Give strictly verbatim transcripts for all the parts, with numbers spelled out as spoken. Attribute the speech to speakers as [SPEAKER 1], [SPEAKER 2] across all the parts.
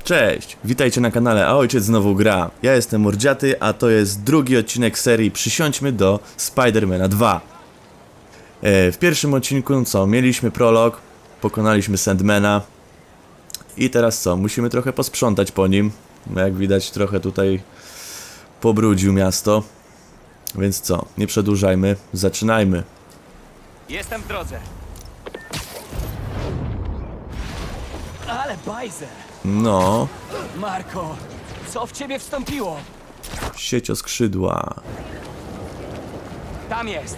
[SPEAKER 1] Cześć, witajcie na kanale A Ojciec Znowu Gra. Ja jestem Mordziaty, a to jest drugi odcinek serii Przysiądźmy do Spidermana dwa. E, w pierwszym odcinku, no co, mieliśmy prolog, pokonaliśmy Sandmana. I teraz co, musimy trochę posprzątać po nim. Jak widać, trochę tutaj pobrudził miasto. Więc co, nie przedłużajmy, zaczynajmy.
[SPEAKER 2] Jestem w drodze. Ale bajzer!
[SPEAKER 1] No,
[SPEAKER 2] Marko, co w ciebie wstąpiło?
[SPEAKER 1] siecioskrzydła.
[SPEAKER 2] Tam jest!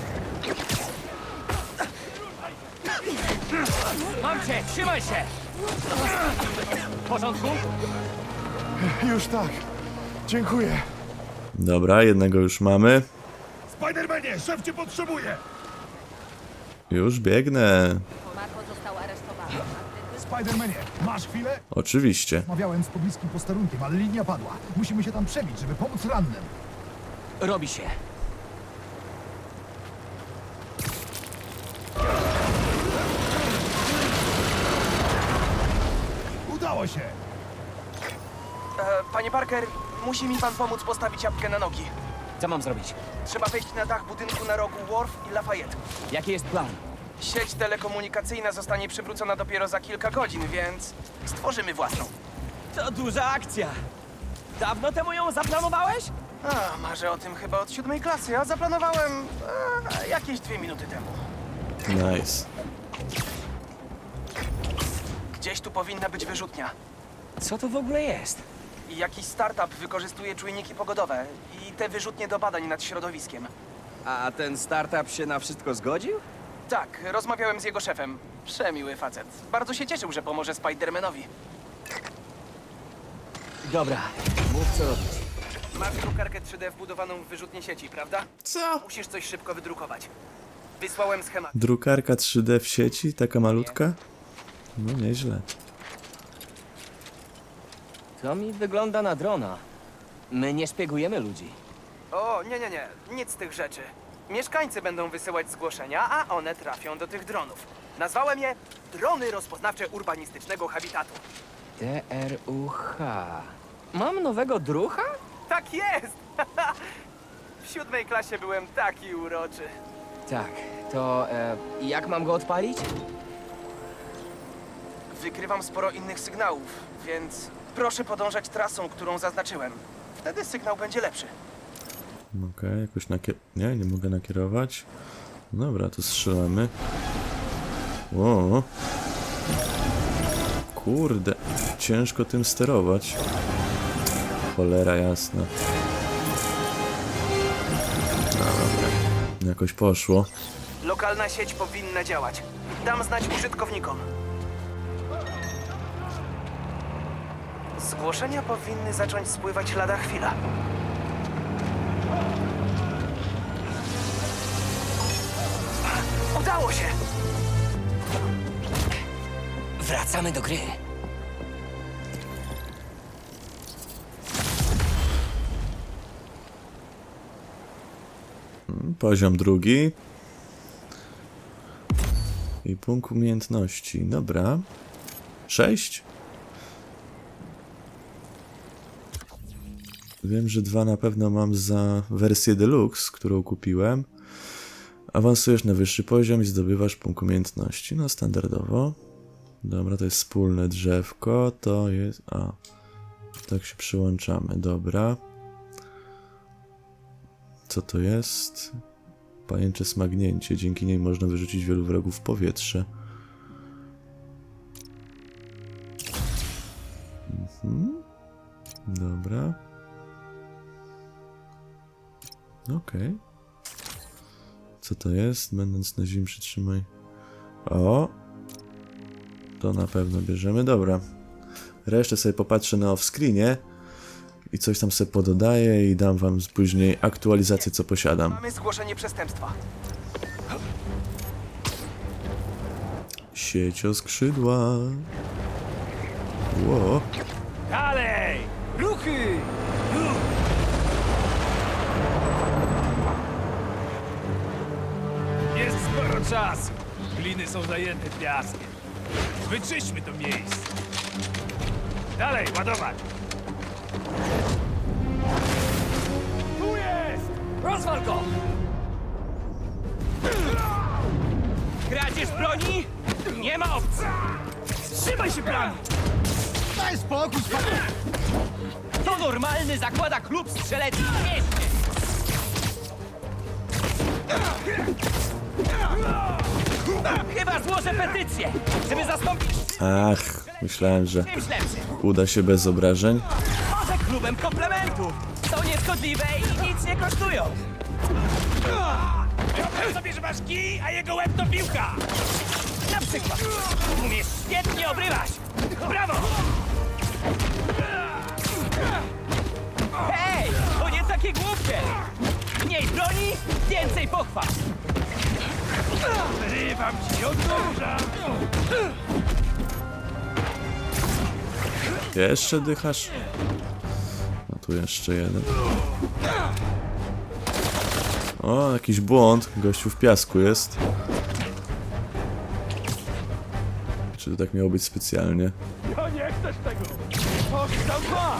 [SPEAKER 2] Mam cię, trzymaj się! W porządku?
[SPEAKER 3] Już tak. Dziękuję.
[SPEAKER 1] Dobra, jednego już mamy.
[SPEAKER 3] Spidermanie, szef cię potrzebuje!
[SPEAKER 1] Już biegnę.
[SPEAKER 4] Marko został aresztowany.
[SPEAKER 3] Spidermanie, masz chwilę?
[SPEAKER 1] Oczywiście.
[SPEAKER 3] Rozmawiałem z pobliskim posterunkiem, ale linia padła. Musimy się tam przebić, żeby pomóc rannym.
[SPEAKER 2] Robi się.
[SPEAKER 3] Udało się!
[SPEAKER 5] E, Panie Parker, musi mi pan pomóc postawić apkę na nogi.
[SPEAKER 2] Co mam zrobić?
[SPEAKER 5] Trzeba wejść na dach budynku na rogu Wharf i Lafayette.
[SPEAKER 2] Jaki jest plan?
[SPEAKER 5] Sieć telekomunikacyjna zostanie przywrócona dopiero za kilka godzin, więc stworzymy własną.
[SPEAKER 2] To duża akcja! Dawno temu ją zaplanowałeś?
[SPEAKER 5] A, marzę o tym chyba od siódmej klasy, a zaplanowałem e, jakieś dwie minuty temu.
[SPEAKER 1] Nice.
[SPEAKER 5] Gdzieś tu powinna być wyrzutnia.
[SPEAKER 2] Co to w ogóle jest?
[SPEAKER 5] I jakiś startup wykorzystuje czujniki pogodowe i te wyrzutnie do badań nad środowiskiem.
[SPEAKER 2] A ten startup się na wszystko zgodził?
[SPEAKER 5] Tak, rozmawiałem z jego szefem. Przemiły facet. Bardzo się cieszył, że pomoże Spidermanowi.
[SPEAKER 2] Dobra, mów co robić.
[SPEAKER 5] Masz drukarkę trzy D wbudowaną w wyrzutnię sieci, prawda?
[SPEAKER 1] Co?
[SPEAKER 5] Musisz coś szybko wydrukować. Wysłałem schemat.
[SPEAKER 1] Drukarka trzy D w sieci? Taka malutka? No nieźle.
[SPEAKER 2] To mi wygląda na drona. My nie szpiegujemy ludzi.
[SPEAKER 5] O, nie, nie, nie. Nic z tych rzeczy. Mieszkańcy będą wysyłać zgłoszenia, a one trafią do tych dronów. Nazwałem je drony rozpoznawcze urbanistycznego habitatu.
[SPEAKER 2] D R U H. Mam nowego drucha?
[SPEAKER 5] Tak jest! W siódmej klasie byłem taki uroczy.
[SPEAKER 2] Tak, to e, jak mam go odpalić?
[SPEAKER 5] Wykrywam sporo innych sygnałów, więc proszę podążać trasą, którą zaznaczyłem. Wtedy sygnał będzie lepszy.
[SPEAKER 1] Okej, jakoś nakier... Nie, nie mogę nakierować. Dobra, to strzelamy. O. Kurde, ciężko tym sterować. Cholera jasna. No, dobra, jakoś poszło.
[SPEAKER 5] Lokalna sieć powinna działać. Dam znać użytkownikom. Zgłoszenia powinny zacząć spływać lada chwila. Udało się!
[SPEAKER 2] Wracamy do gry.
[SPEAKER 1] Poziom drugi. I punkt umiejętności. Dobra. Sześć. Wiem, że dwa na pewno mam za wersję deluxe, którą kupiłem. Awansujesz na wyższy poziom i zdobywasz punkt umiejętności. No, standardowo. Dobra, to jest wspólne drzewko. To jest... A. Tak się przyłączamy. Dobra. Co to jest? Pajęcze smagnięcie. Dzięki niej można wyrzucić wielu wrogów w powietrze. Mhm. Dobra. Okej. Okay. Co to jest? Będąc na ziemi przytrzymaj. O! To na pewno bierzemy. Dobra. Resztę sobie popatrzę na off-screenie. I coś tam sobie pododaję i dam wam później aktualizację, co posiadam.
[SPEAKER 5] Mamy zgłoszenie przestępstwa.
[SPEAKER 1] Siecioskrzydła. Ło.
[SPEAKER 2] Dalej! Ruchy!
[SPEAKER 6] Jest sporo czasu. Gliny są zajęte piaskiem. Wyczyśćmy to miejsce. Dalej, ładować! Tu jest!
[SPEAKER 2] Rozwal go! Kradzież broni? Nie ma opcji!
[SPEAKER 6] Trzymaj się planu!
[SPEAKER 3] Daj spokój, spokój!
[SPEAKER 2] To normalny zakłada klub strzelecki w mieście! Chyba złożę petycję, żeby zastąpić
[SPEAKER 1] Ach, myślałem, że
[SPEAKER 2] czymś lepszym.
[SPEAKER 1] uda się bez obrażeń.
[SPEAKER 2] Może klubem komplementów. Są nieszkodliwe i nic nie kosztują.
[SPEAKER 6] Wyobraź sobie, że masz kij, a jego łeb to piłka!
[SPEAKER 2] Na przykład umiesz świetnie obrywać.
[SPEAKER 6] Brawo!
[SPEAKER 2] Hej, to nie takie głupie. Mniej broni, więcej pochwał.
[SPEAKER 6] Wyrywam ci od noża!
[SPEAKER 1] Jeszcze dychasz? No tu jeszcze jeden. O, jakiś błąd. Gościu w piasku jest. Czy to tak miało być specjalnie?
[SPEAKER 6] No nie chcesz tego! Oddał dwa!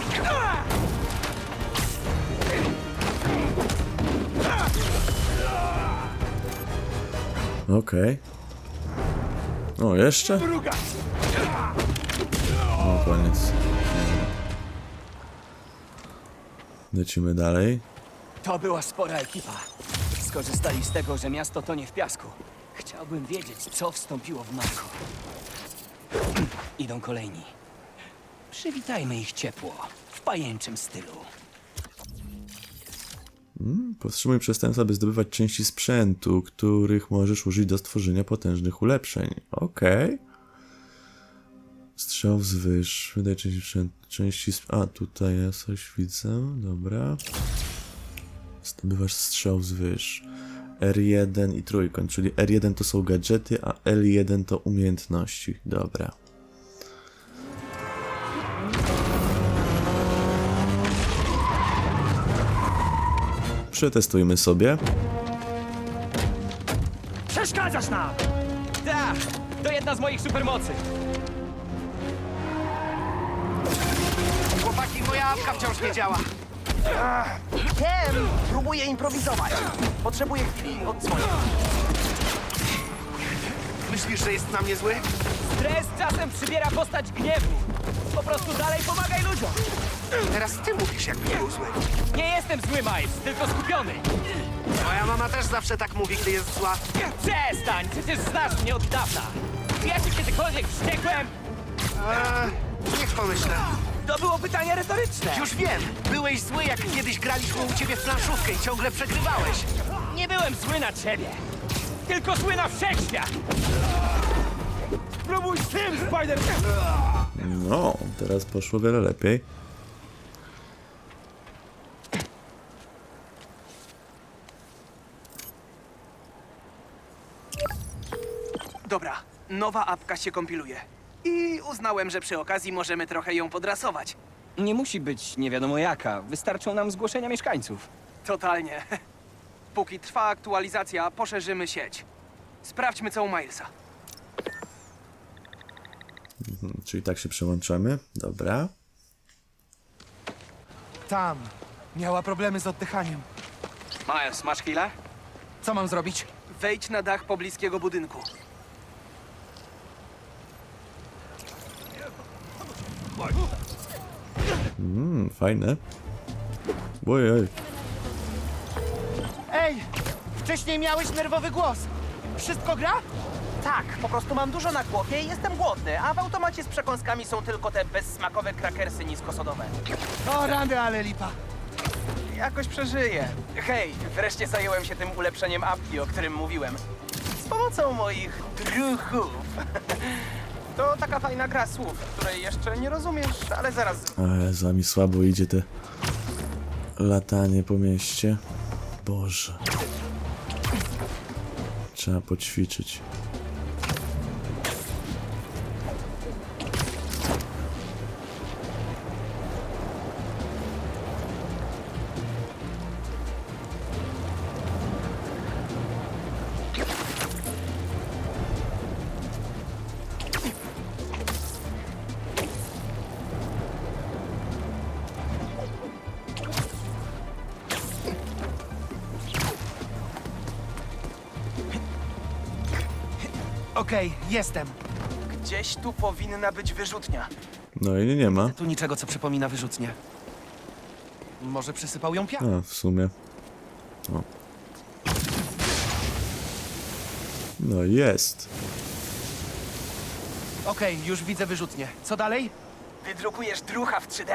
[SPEAKER 1] Okej. O, jeszcze?
[SPEAKER 6] Druga!
[SPEAKER 1] O, koniec. Lecimy dalej.
[SPEAKER 2] To była spora ekipa. Skorzystali z tego, że miasto tonie w piasku. Chciałbym wiedzieć, co wstąpiło w Marko. Idą kolejni. Przywitajmy ich ciepło, w pajęczym stylu.
[SPEAKER 1] Powstrzymuj przestępstwa, by zdobywać części sprzętu, których możesz użyć do stworzenia potężnych ulepszeń. Okej. Strzał wzwyż. Wydaj części sprzętu. Części sp... A, tutaj ja coś widzę. Dobra. Zdobywasz strzał wzwyż. R jeden i trójkąt, czyli R jeden to są gadżety, a L jeden to umiejętności. Dobra. Przetestujmy sobie.
[SPEAKER 6] Przeszkadzasz nam!
[SPEAKER 2] Tak, to jedna z moich supermocy.
[SPEAKER 5] Chłopaki, moja apka wciąż nie działa. Wiem, próbuję improwizować. Potrzebuję chwili, odzwonię. Myślisz, że jest na mnie zły?
[SPEAKER 2] Stres czasem przybiera postać gniewu. Po prostu dalej pomagaj ludziom.
[SPEAKER 5] Teraz ty mówisz, jakby był zły.
[SPEAKER 2] Nie jestem zły, Miles, tylko skupiony.
[SPEAKER 5] Moja mama też zawsze tak mówi, gdy jest zła.
[SPEAKER 2] Przestań, przecież znasz mnie od dawna. Czy ja ci kiedykolwiek wściekłem?
[SPEAKER 5] Eee, niech pomyślę.
[SPEAKER 2] To było pytanie retoryczne.
[SPEAKER 5] Już wiem, byłeś zły, jak kiedyś graliśmy u ciebie w planszówkę i ciągle przegrywałeś.
[SPEAKER 2] Nie byłem zły na ciebie, tylko zły na wszechświat.
[SPEAKER 6] Spróbuj z tym, Spider!
[SPEAKER 1] No, teraz poszło wiele lepiej.
[SPEAKER 5] Dobra, nowa apka się kompiluje. I uznałem, że przy okazji możemy trochę ją podrasować.
[SPEAKER 2] Nie musi być nie wiadomo jaka. Wystarczą nam zgłoszenia mieszkańców.
[SPEAKER 5] Totalnie. Póki trwa aktualizacja, poszerzymy sieć. Sprawdźmy, co u Milesa.
[SPEAKER 1] Mhm, czyli tak się przełączamy. Dobra.
[SPEAKER 7] Tam. Miała problemy z oddychaniem.
[SPEAKER 5] Miles, masz chwilę?
[SPEAKER 7] Co mam zrobić?
[SPEAKER 5] Wejdź na dach pobliskiego budynku.
[SPEAKER 1] Mmm, fajne. Ojej.
[SPEAKER 7] Ej! Wcześniej miałeś nerwowy głos. Wszystko gra?
[SPEAKER 5] Tak, po prostu mam dużo na głowie i jestem głodny, a w automacie z przekąskami są tylko te bezsmakowe krakersy niskosodowe.
[SPEAKER 7] O, rany, ale lipa.
[SPEAKER 5] Jakoś przeżyję. Hej, wreszcie zająłem się tym ulepszeniem apki, o którym mówiłem. Z pomocą moich druchów. To taka fajna gra słów, której jeszcze nie rozumiesz, ale zaraz...
[SPEAKER 1] Ale za mi słabo idzie te latanie po mieście. Boże. Trzeba poćwiczyć.
[SPEAKER 7] Okej, jestem.
[SPEAKER 5] Gdzieś tu powinna być wyrzutnia.
[SPEAKER 1] No i nie ma.
[SPEAKER 7] Tu niczego, co przypomina wyrzutnię. Może przysypał ją piach?
[SPEAKER 1] A, w sumie. O. No jest.
[SPEAKER 7] Okej, już widzę wyrzutnię. Co dalej?
[SPEAKER 5] Wydrukujesz drucha w trzy D.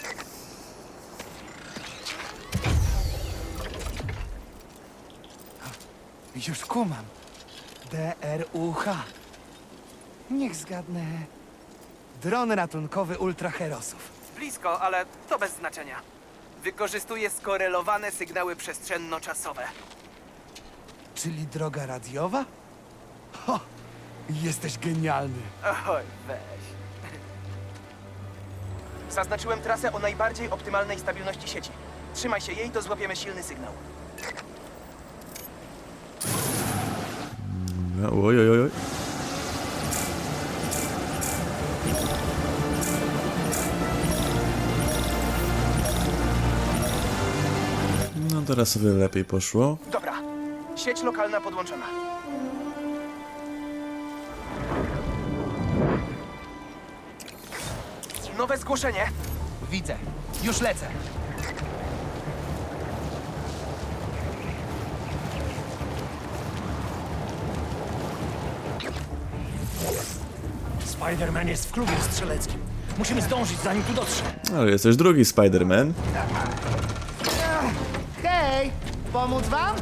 [SPEAKER 7] Już kumam. D R U H. Niech zgadnę. Dron ratunkowy ultraherosów.
[SPEAKER 5] Blisko, ale to bez znaczenia. Wykorzystuje skorelowane sygnały przestrzenno-czasowe.
[SPEAKER 7] Czyli droga radiowa? Ho! Jesteś genialny.
[SPEAKER 5] Oj, weź. Zaznaczyłem trasę o najbardziej optymalnej stabilności sieci. Trzymaj się jej, to złapiemy silny sygnał.
[SPEAKER 1] Oj, oj, oj, oj. No teraz sobie lepiej poszło.
[SPEAKER 5] Dobra, sieć lokalna podłączona. Nowe zgłoszenie.
[SPEAKER 7] Widzę. Już lecę.
[SPEAKER 6] Spider-Man jest w klubie strzeleckim. Musimy zdążyć, zanim tu dotrze.
[SPEAKER 1] Ale jest też drugi Spider-Man.
[SPEAKER 7] Hej! Pomóc wam?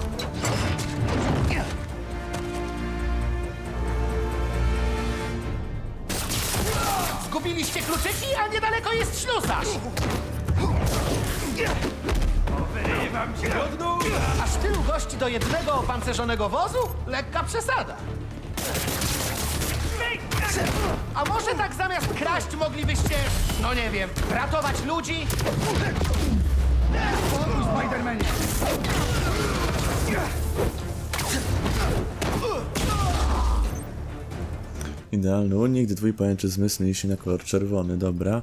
[SPEAKER 7] Zgubiliście kluczyki, a niedaleko jest ślusarz!
[SPEAKER 6] Wyrywam cię od nóg!
[SPEAKER 7] Aż tylu gości do jednego opancerzonego wozu? Lekka przesada. A może tak zamiast kraść moglibyście, no nie wiem, ratować ludzi?
[SPEAKER 3] Spidermanie!
[SPEAKER 1] Idealny unik, gdy twój pajęczy zmysł zmieni się na kolor czerwony, dobra.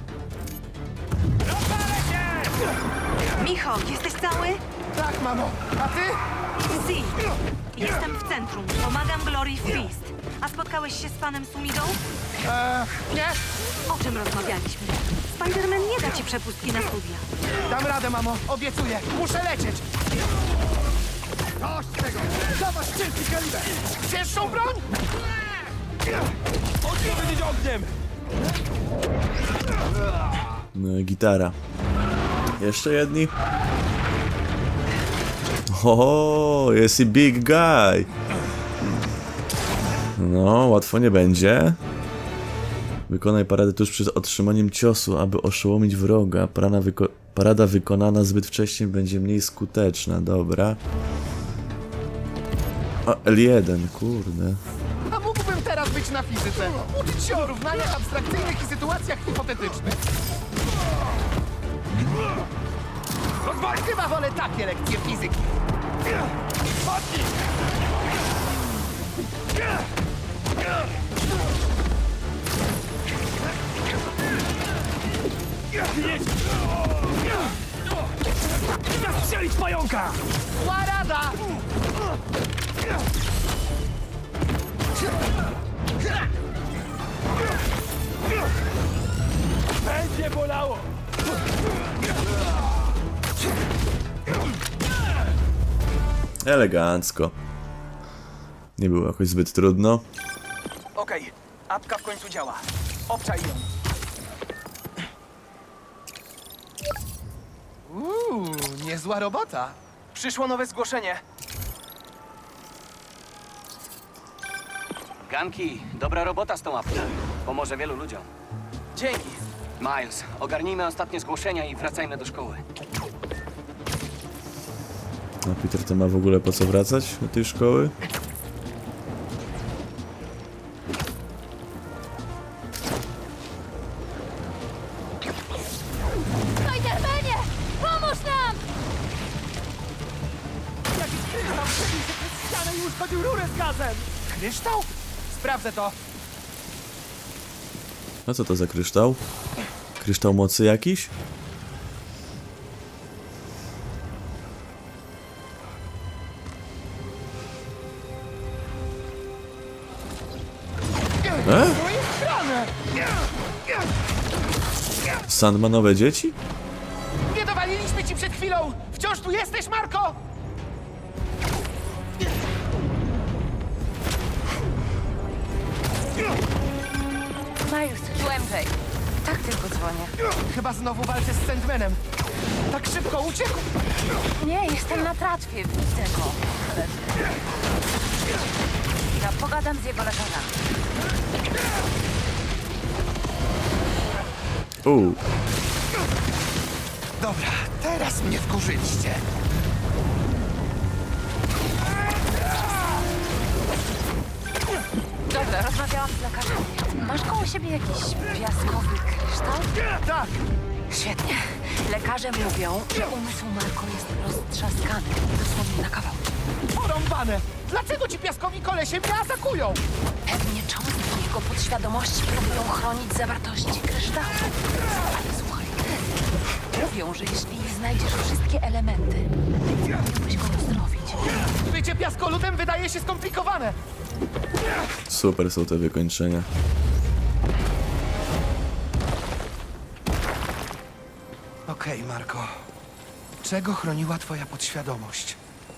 [SPEAKER 4] Micho, jesteś cały?
[SPEAKER 7] Tak, mamo. A ty?
[SPEAKER 4] Si. Jestem w centrum. Pomagam Glory Feast. A spotkałeś się z panem Sumidą?
[SPEAKER 7] Eee, nie.
[SPEAKER 4] O czym rozmawialiśmy? Spider-Man nie da ci przepustki na studia.
[SPEAKER 7] Dam radę, mamo. Obiecuję. Muszę lecieć.
[SPEAKER 3] Dość tego! Dawać ciężki kaliber!
[SPEAKER 7] Cięższą broń?
[SPEAKER 6] Odpowiedzieć ogniem!
[SPEAKER 1] No i gitara. Jeszcze jedni. O, jest i big guy. No, łatwo nie będzie. Wykonaj paradę tuż przed otrzymaniem ciosu, aby oszołomić wroga. Parana wyko parada wykonana zbyt wcześnie będzie mniej skuteczna, dobra. O, L jeden, kurde.
[SPEAKER 7] A mógłbym teraz być na fizyce. Uczyć się o równaniach abstrakcyjnych i sytuacjach hipotetycznych. Chyba wolę takie lekcje fizyki.
[SPEAKER 6] Jedź! Zastrzelić pająka!
[SPEAKER 7] Zła rada!
[SPEAKER 6] Będzie bolało!
[SPEAKER 1] Elegancko. Nie było jakoś zbyt trudno.
[SPEAKER 5] Okej, apka w końcu działa. Obczaj ją.
[SPEAKER 7] Uuu, niezła robota.
[SPEAKER 5] Przyszło nowe zgłoszenie.
[SPEAKER 2] Ganki, dobra robota z tą apką. Pomoże wielu ludziom.
[SPEAKER 5] Dzięki.
[SPEAKER 2] Miles, ogarnijmy ostatnie zgłoszenia i wracajmy do szkoły.
[SPEAKER 1] A Peter to ma w ogóle po co wracać do tej szkoły?
[SPEAKER 4] Spider-Manie! Pomóż nam!
[SPEAKER 7] Jakiś kryształ przebił się przez ścianę i uszkodził rurę z gazem. Kryształ? Sprawdzę to.
[SPEAKER 1] A co to za kryształ? Kryształ mocy jakiś? Sandmanowe dzieci?
[SPEAKER 7] Nie dowaliliśmy ci przed chwilą! Wciąż tu jesteś, Marko?
[SPEAKER 4] Miles, tu M J. Tak tylko dzwonię.
[SPEAKER 7] Chyba znowu walczę z Sandmanem. Tak szybko uciekł!
[SPEAKER 4] Nie, jestem na tratwie, widzę go. Ja pogadam z jego lekarzami.
[SPEAKER 1] Uuu,
[SPEAKER 7] Dobra, teraz mnie wkurzyliście.
[SPEAKER 4] Dobra, rozmawiałam z lekarzem. Masz koło siebie jakiś piaskowy kryształ?
[SPEAKER 7] Tak,
[SPEAKER 4] Świetnie. Lekarze mówią, że umysł Marko jest roztrzaskany. Dosłownie na kawał.
[SPEAKER 7] porąbane! Dlaczego ci piaskowi kolesie mnie atakują?
[SPEAKER 4] Pewnie cząstki jego podświadomości próbują chronić zawartości kryształu. Ale słuchaj, mówią, że jeśli znajdziesz wszystkie elementy, mógłbyś go uzdrowić.
[SPEAKER 7] Bycie piaskoludem wydaje się skomplikowane.
[SPEAKER 1] super są te wykończenia.
[SPEAKER 7] Okej, Marko. Czego chroniła twoja podświadomość?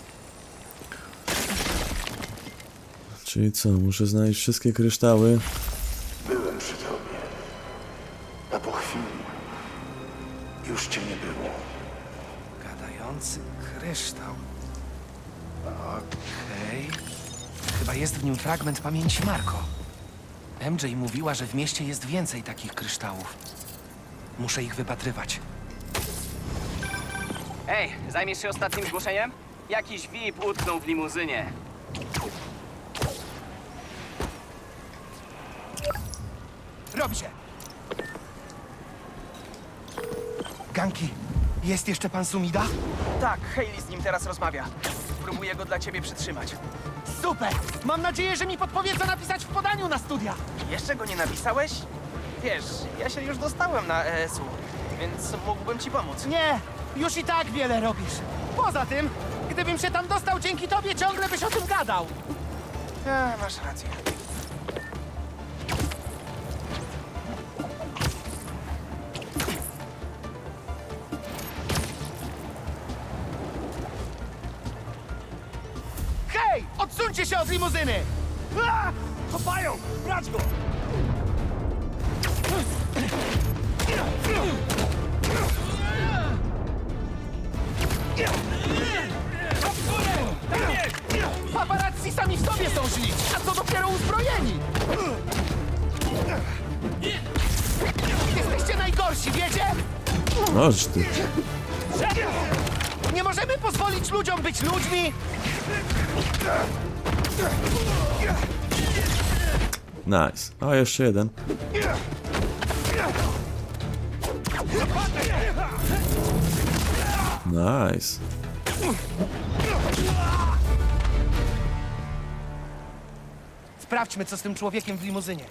[SPEAKER 1] Czyli co, muszę znaleźć wszystkie kryształy?
[SPEAKER 8] Byłem przy tobie, a po chwili już cię nie było.
[SPEAKER 7] Gadający kryształ. Okej. Chyba jest w nim fragment pamięci Marko. M J mówiła, że w mieście jest więcej takich kryształów. Muszę ich wypatrywać.
[SPEAKER 2] Ej, zajmiesz się ostatnim zgłoszeniem? Jakiś V I P utknął w limuzynie.
[SPEAKER 7] Robi się! Ganki, jest jeszcze pan Sumida?
[SPEAKER 5] Tak, Hayley z nim teraz rozmawia. Próbuję go dla ciebie przytrzymać.
[SPEAKER 7] Super! Mam nadzieję, że mi podpowie, co napisać w podaniu na studia.
[SPEAKER 5] Jeszcze go nie napisałeś? Wiesz, ja się już dostałem na E S U, więc mógłbym ci pomóc.
[SPEAKER 7] Nie, już i tak wiele robisz. Poza tym, gdybym się tam dostał dzięki tobie, ciągle byś o tym gadał.
[SPEAKER 5] A, masz rację.
[SPEAKER 7] Hej, odsuńcie się od limuzyny! A! Kopają! Brać go! Paparazzi sami w sobie są źli, a co dopiero uzbrojeni! Jesteście najgorsi, wiecie?
[SPEAKER 1] Noż ty.
[SPEAKER 7] Nie możemy pozwolić ludziom być ludźmi!
[SPEAKER 1] Nice. O, jeszcze jeden. Nice.
[SPEAKER 7] Sprawdźmy, co z tym człowiekiem w limuzynie.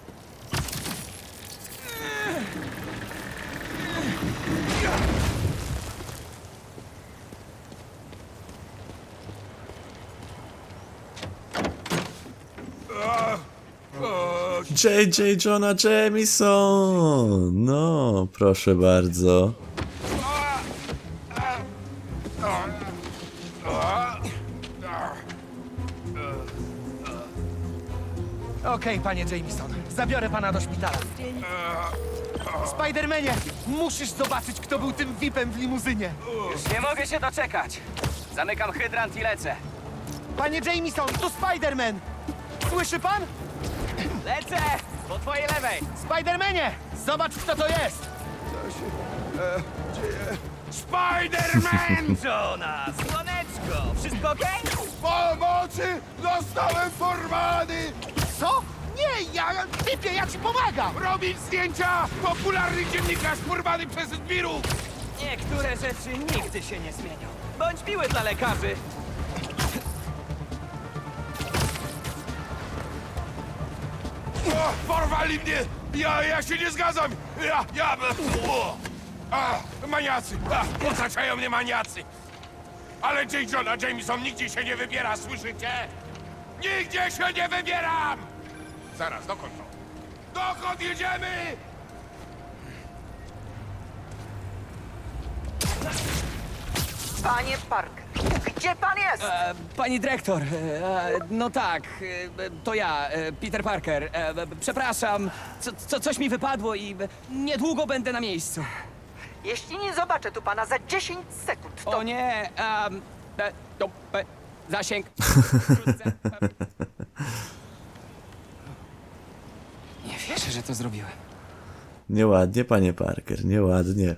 [SPEAKER 1] J J Jonah Jameson! No, proszę bardzo.
[SPEAKER 7] Okej, panie Jameson, zabiorę pana do szpitala. Spidermanie, musisz zobaczyć, kto był tym V I P-em w limuzynie.
[SPEAKER 2] Już nie mogę się doczekać. Zamykam hydrant i lecę.
[SPEAKER 7] Panie Jameson, tu Spiderman! Słyszy pan?
[SPEAKER 2] Lecę! Po twojej lewej!
[SPEAKER 7] Spidermanie, zobacz, kto to jest!
[SPEAKER 2] Spider-Man! Jonas! Słoneczko! Wszystko okej?
[SPEAKER 3] Pomocy! Zostałem porwany!
[SPEAKER 7] Co? Nie, ja... Typie, ja ci pomagam!
[SPEAKER 3] Robić zdjęcia! Popularny dziennikarz porwany przez zbirów!
[SPEAKER 2] Niektóre rzeczy nigdy się nie zmienią. Bądź miły dla lekarzy.
[SPEAKER 3] O, porwali mnie! Ja, ja się nie zgadzam! Ja, ja... O, a, maniacy! A, otaczają mnie maniacy! Ale J. Jonah Jameson nigdzie się nie wybiera, słyszycie? Nigdzie się nie wybieram! Zaraz, dokąd to? Dokąd jedziemy?
[SPEAKER 9] Panie Parker, gdzie pan jest?
[SPEAKER 2] E, pani dyrektor, e, no tak, e, to ja, e, Peter Parker. E, e, przepraszam, co, co, coś mi wypadło i e, niedługo będę na miejscu.
[SPEAKER 9] Jeśli nie zobaczę tu pana za dziesięć sekund, to...
[SPEAKER 2] O nie, um, e, to, e, zasięg. Wkrótce, e. Nie wierzę, że to zrobiłem.
[SPEAKER 1] Nieładnie, panie Parker, nieładnie.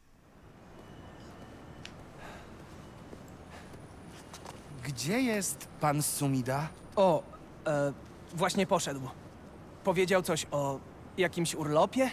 [SPEAKER 7] Gdzie jest pan Sumida?
[SPEAKER 5] O, e, właśnie poszedł. Powiedział coś o jakimś urlopie?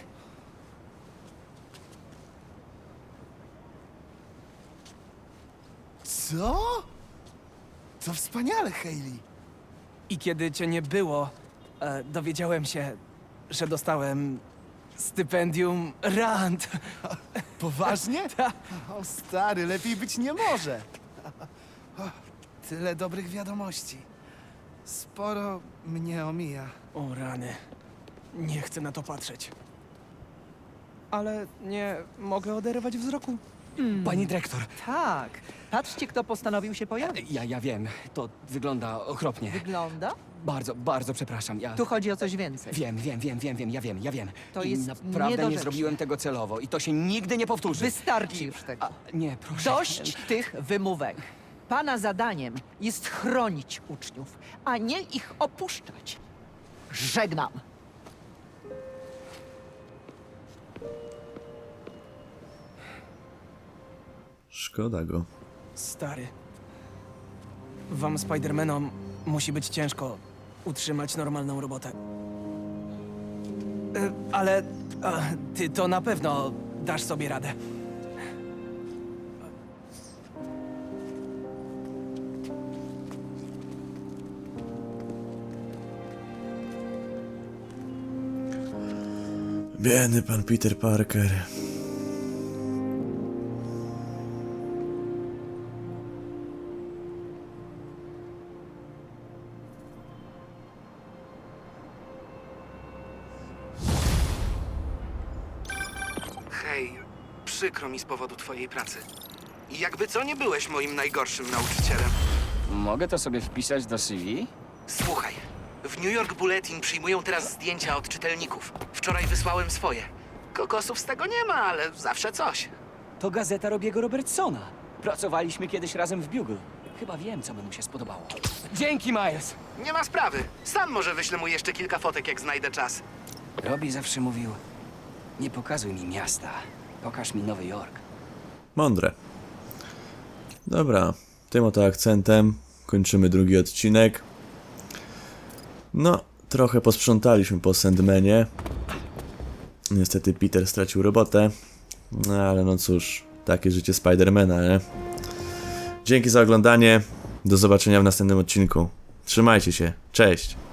[SPEAKER 7] Co? To wspaniale, Hayley.
[SPEAKER 5] I kiedy cię nie było, e, dowiedziałem się, że dostałem stypendium Rand.
[SPEAKER 7] Poważnie?
[SPEAKER 5] Ta.
[SPEAKER 7] O stary, lepiej być nie może. O, tyle dobrych wiadomości. Sporo mnie omija.
[SPEAKER 5] O rany, nie chcę na to patrzeć. Ale nie mogę oderwać wzroku.
[SPEAKER 2] Pani dyrektor,
[SPEAKER 9] Tak. Patrzcie, kto postanowił się pojawić.
[SPEAKER 2] ja, ja wiem, to wygląda okropnie.
[SPEAKER 9] Wygląda?
[SPEAKER 2] Bardzo, bardzo przepraszam, ja...
[SPEAKER 9] Tu chodzi o coś więcej.
[SPEAKER 2] Wiem, wiem, wiem, wiem, wiem, ja wiem, ja wiem.
[SPEAKER 9] To
[SPEAKER 2] I
[SPEAKER 9] jest
[SPEAKER 2] naprawdę nie
[SPEAKER 9] niedorzeczne.
[SPEAKER 2] zrobiłem tego celowo i to się nigdy nie powtórzy.
[SPEAKER 9] Wystarczy już tego.
[SPEAKER 2] A, nie, proszę.
[SPEAKER 9] Dość tych wymówek. Pana zadaniem jest chronić uczniów, a nie ich opuszczać. Żegnam.
[SPEAKER 1] Szkoda go.
[SPEAKER 5] Stary. Wam, Spidermanom, musi być ciężko utrzymać normalną robotę. E, Ale a, ty to na pewno dasz sobie radę.
[SPEAKER 1] Biedny pan Peter Parker.
[SPEAKER 10] Hej, przykro mi z powodu twojej pracy. I jakby co, nie byłeś moim najgorszym nauczycielem.
[SPEAKER 2] Mogę to sobie wpisać do C V?
[SPEAKER 10] Słuchaj, w New York Bulletin przyjmują teraz zdjęcia od czytelników. Wczoraj wysłałem swoje. Kokosów z tego nie ma, ale zawsze coś.
[SPEAKER 2] To gazeta Robiego Robertsona. Pracowaliśmy kiedyś razem w Bugle. Chyba wiem, co by mu się spodobało. Dzięki, Miles!
[SPEAKER 10] Nie ma sprawy. Sam może wyślę mu jeszcze kilka fotek, jak znajdę czas.
[SPEAKER 2] Robbie zawsze mówił, nie pokazuj mi miasta, pokaż mi Nowy Jork.
[SPEAKER 1] Mądre. Dobra, tym oto akcentem kończymy drugi odcinek. No, trochę posprzątaliśmy po Sandmanie. Niestety Peter stracił robotę. No ale no cóż, takie życie Spidermana, nie? Dzięki za oglądanie. Do zobaczenia w następnym odcinku. Trzymajcie się. Cześć.